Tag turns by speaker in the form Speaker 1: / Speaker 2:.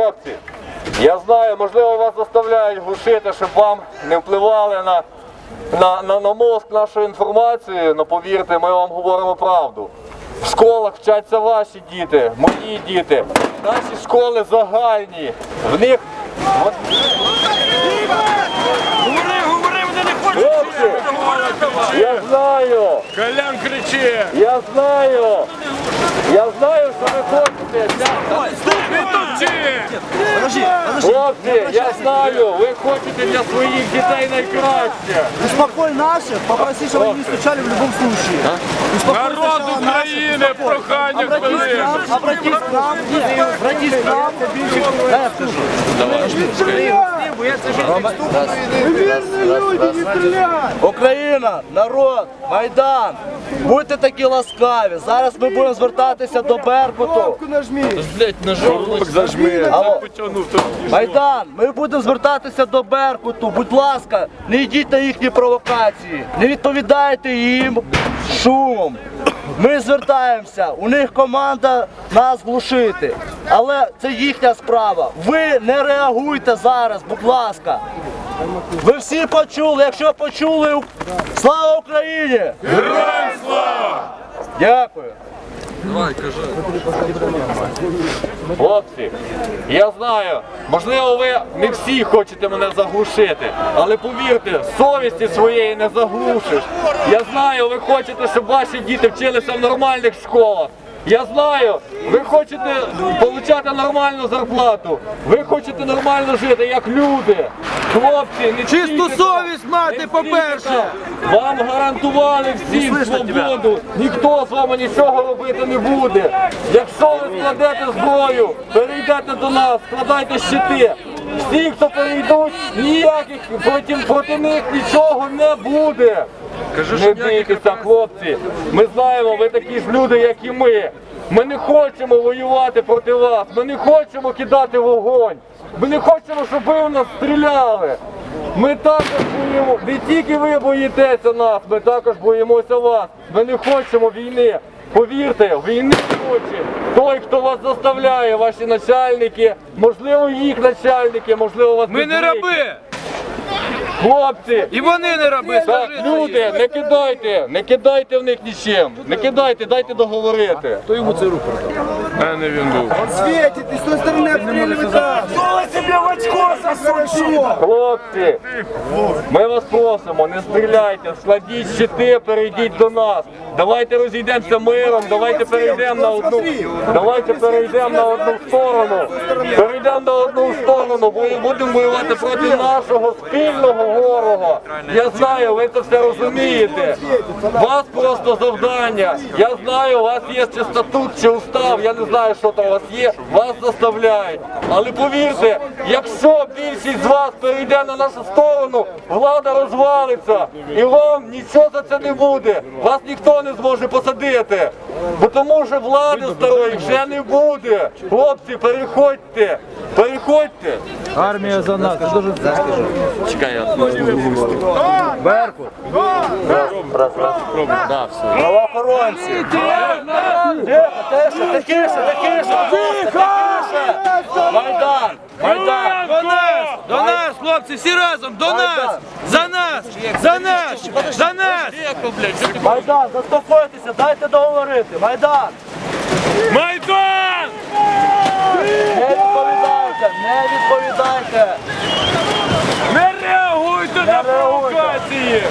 Speaker 1: Хлопці, я знаю, можливо, вас заставляють глушити, щоб вам не впливали на мозк нашою інформацією, але повірте, ми вам говоримо правду. В школах вчаться ваші діти, мої діти. Наші школи загальні. В них... Хлопці, я знаю.
Speaker 2: Колян кричить.
Speaker 1: Я знаю, що ви хочете. Хлопці, я знаю, ви хочете для своїх дітей найкраще.
Speaker 3: Успокой наших, попроси, чтобы они не стучали в любом случае.
Speaker 2: Народ України, прохання к великому.
Speaker 3: Обратись к нам, обратись к нам. Да, я слушаю. Україна, народ, Майдан, будьте такі ласкаві. Зараз ми будемо звертатися до Беркуту. Алло. Майдан, ми будемо звертатися до Беркуту. Будь ласка, не йдіть на їхні провокації, не відповідайте їм шумом. Ми звертаємося, у них команда нас глушити, але це їхня справа. Ви не реагуйте зараз, будь ласка. Ви всі почули, якщо почули, слава Україні!
Speaker 2: Героям слава!
Speaker 3: Дякую.
Speaker 1: Хлопці, я знаю, можливо, ви не всі хочете мене заглушити, але повірте, совісті своєї не заглушиш. Я знаю, ви хочете, щоб ваші діти вчилися в нормальних школах. Я знаю, ви хочете отримати нормальну зарплату, ви хочете нормально жити, як люди. Хлопці, не
Speaker 4: Чисту
Speaker 1: стійте
Speaker 4: совість
Speaker 1: там,
Speaker 4: мати,
Speaker 1: не
Speaker 4: по-перше.
Speaker 1: стійте там. Вам гарантували всім свободу, ніхто з вами нічого робити не буде. Якщо ви складете зброю, перейдете до нас, складайте щити. Всі, хто перейдуть, ніяких проти них нічого не буде. Не бійтеся, хлопці. Ми знаємо, ви такі ж люди, як і ми. Ми не хочемо воювати проти вас, ми не хочемо кидати вогонь. Ми не хочемо, щоб ви в нас стріляли. Ми також боїмо, не тільки ви боїтеся нас, ми також боїмося вас. Ми не хочемо війни. Повірте, війни не хоче той, хто вас заставляє, ваші начальники, можливо, їх начальники, можливо, вас
Speaker 4: Ми не раби!
Speaker 1: Хлопці!
Speaker 4: І вони не раби,
Speaker 1: Так,
Speaker 4: скажи.
Speaker 1: люди, не кидайте в них нічим, не кидайте, дайте договорити.
Speaker 4: Хто йому цей рупор дав?
Speaker 2: Мене він був.
Speaker 3: Светит, и с той стороны обстреливает нас.
Speaker 1: Хлопці, ми вас просимо, не стріляйте, складіть щити, перейдіть до нас. Давайте розійдемося миром, давайте перейдемо на одну сторону. Перейдемо на одну сторону, бо будемо воювати проти нашого спільного ворога. Я знаю, ви це все розумієте. У вас просто завдання. Я знаю, у вас є чи статут, чи устав, я не знаю, що там у вас є, вас заставляють. Але повірте, якщо більшість з вас перейде на нашу сторону, влада розвалиться. І вам нічого за це не буде. Вас ніхто не зможе посадити. Бо тому що влади старої вже не буде. Хлопці, переходьте. Переходьте.
Speaker 4: Армія за нас.
Speaker 1: Чекай, я
Speaker 3: Беркут. Правоохоронці. Тихо! Майдан! Майдан!
Speaker 4: До нас, хлопці, всі разом, до нас! За нас! За нас! За нас!
Speaker 3: Майдан, заспокойтеся, дайте договорити. Майдан!
Speaker 2: Майдан!
Speaker 3: Не відповідайте, не відповідайте!
Speaker 2: Не реагуйте на провокації!